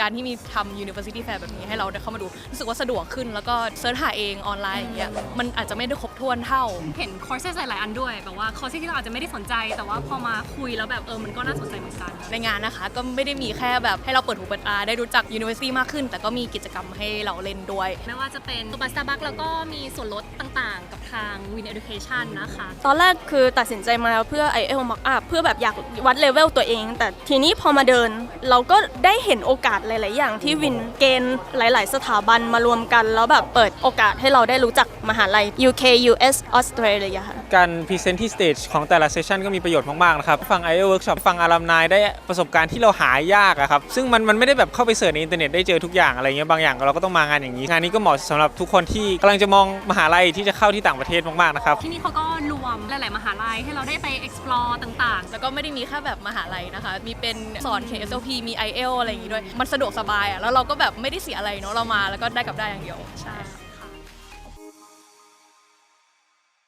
การที่มีทำ University Fair แบบนี้ให้เราได้เข้ามาดูรู้สึกว่าสะดวกขึ้นแล้วก็เสิร์ชหาเองออนไลน์อย่างเงี้ยมันอาจจะไม่ได้ครบถ้วนเท่าเห็นคอร์สหลายๆอันด้วยแบบว่าคอร์สที่เราอาจจะไม่ได้สนใจแต่ว่าพอมาคุยแล้วแบบมันก็น่าสนใจเหมือนกันในงานนะคะก็ไม่ได้มีแค่แบบให้เราเปิดหูเปิดตาได้รู้จัก University มากขึ้นแต่ก็มีกิจกรรมให้เราเล่นด้วยไม่ว่าจะเป็นตัวบัสตาบัคแล้วก็มีส่วนลดต่างๆกับทาง Win Education นะคะตอนแรกคือตัดสินใจมาเพื่อ IELTS Mock Up เพื่อแบบอยากวัดเลเวลตัวเองแต่ทีนี้พอมาเดินเราก็ได้เห็นโอกาสหลายๆอย่างที่วินเกณฑ์หลายๆสถาบันมารวมกันแล้วแบบเปิดโอกาสให้เราได้รู้จักมหาลัย UK US Australia ค่ะการพรีเซนต์ที่สเตจของแต่ละเซสชันก็มีประโยชน์มากๆนะครับฟัง IELTS Workshop ฟังอาลัมไนได้ประสบการณ์ที่เราหายากอะครับซึ่งมันไม่ได้แบบเข้าไปเสิร์ชในอินเทอร์เน็ตได้เจอทุกอย่างอะไรเงี้ยบางอย่างเราก็ต้องมางานอย่างนี้งานนี้ก็เหมาะสำหรับทุกคนที่กำลังจะมองมหาลัยที่จะเข้าที่ต่างประเทศมากๆนะครับที่นี่เขาก็รวมหลายๆมหาลัยให้เราได้ไป explore ต่างๆแล้วก็ไม่ได้มีแค่แบบมหาลัยนะคะมีเป็นสอน KSLP มี IELTS อะไรอย่างงี้ด้วยมันสะดวกสบายอะแล้วเราก็แบบไม่ได้เสียอะไรเนาะเรามาแล้วก็ได้กลับได้อย่างเดียวใช่